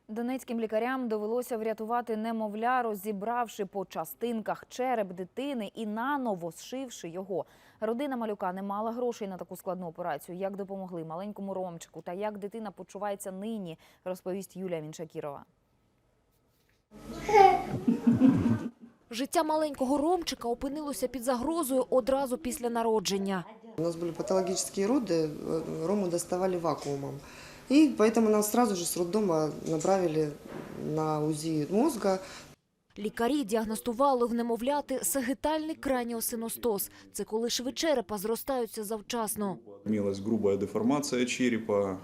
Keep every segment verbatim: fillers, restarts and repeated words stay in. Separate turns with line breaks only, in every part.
Донецьким лікарям довелося врятувати немовля, розібравши по частинках череп дитини і наново зшивши його. Родина малюка не мала грошей на таку складну операцію. Як допомогли маленькому Ромчику та як дитина почувається нині, розповість Юлія Міншакірова.
Життя маленького Ромчика опинилося під загрозою одразу після народження.
У нас были патологические роды, Рому доставали вакуумом. И поэтому нас сразу же с роддома направили на УЗИ мозга.
Лікарі діагностували в немовляти сагітальний краніосиностоз. Це коли шви черепа зростаються завчасно.
Имелась грубая деформация черепа,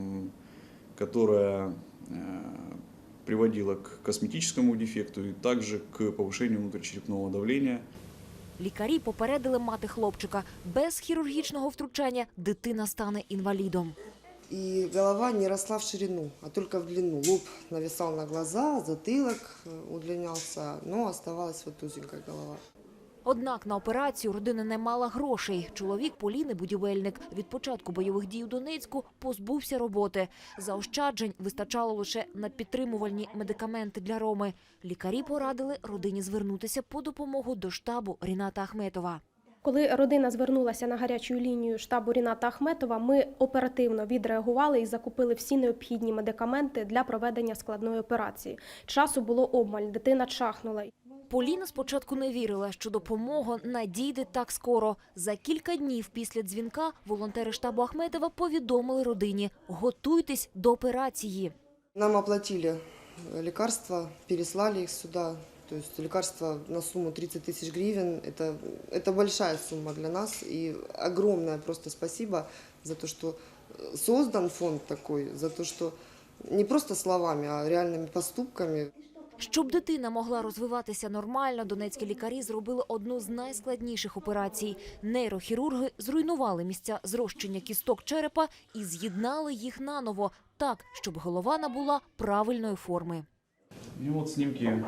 которая приводила к косметическому дефекту и также к повышению внутричерепного давления.
Лікарі попередили мати хлопчика. Без хірургічного втручання дитина стане інвалідом.
И голова не росла в ширину, а только в длину. Лоб нависал на глаза, затылок удлинялся, но оставалась вот узенькая голова.
Однак на операцію родина не мала грошей. Чоловік Поліни – будівельник. Від початку бойових дій у Донецьку позбувся роботи. Заощаджень вистачало лише на підтримувальні медикаменти для Роми. Лікарі порадили родині звернутися по допомогу до штабу Ріната Ахметова.
Коли родина звернулася на гарячу лінію штабу Ріната Ахметова, ми оперативно відреагували і закупили всі необхідні медикаменти для проведення складної операції. Часу було обмаль, дитина чахнула.
Поліна спочатку не вірила, що допомога надійде так скоро. За кілька днів після дзвінка волонтери штабу Ахметова повідомили родині – готуйтесь до операції.
Нам оплатили лекарства, переслали их сюда. То есть лекарства на сумму тридцать тысяч гривен. Это, это большая сумма для нас. И огромное просто спасибо за то, что создан фонд такой, за то, что не просто словами, а реальными поступками.
Щоб дитина могла розвиватися нормально, донецькі лікарі зробили одну з найскладніших операцій. Нейрохірурги зруйнували місця зрощення кісток черепа і з'єднали їх наново, так, щоб голова набула правильної форми.
И вот снимки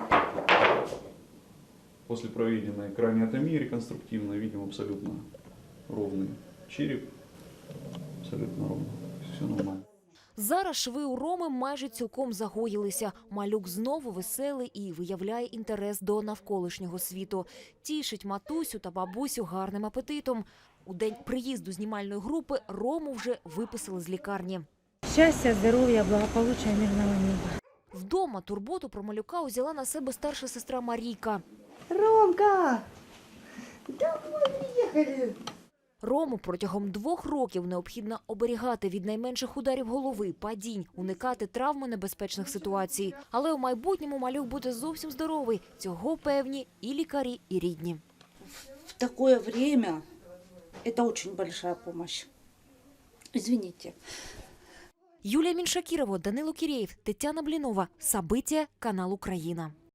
после проведенной краниотомии реконструктивно видим абсолютно ровный череп, абсолютно ровно, все нормально.
Зараз шви у Роми майже цілком загоїлися. Малюк знову веселий і виявляє інтерес до навколишнього світу. Тішить матусю та бабусю гарним апетитом. У день приїзду знімальної групи Рому вже виписали з лікарні.
Щастя, здоров'я, благополуччя, мирного неба.
Вдома турботу про малюка узяла на себе старша сестра Марійка.
Ромка! Домой приехали!
Рому протягом двох років необхідно оберігати від найменших ударів голови, падінь, уникати травмонебезпечних ситуацій. Але у майбутньому малюк буде зовсім здоровий. Цього певні і лікарі, і рідні.
В такое время это очень большая помощь. Извините.
Юлія Міншакірова, Данило Кірєєв, Тетяна Блінова. Сабиття, канал Україна.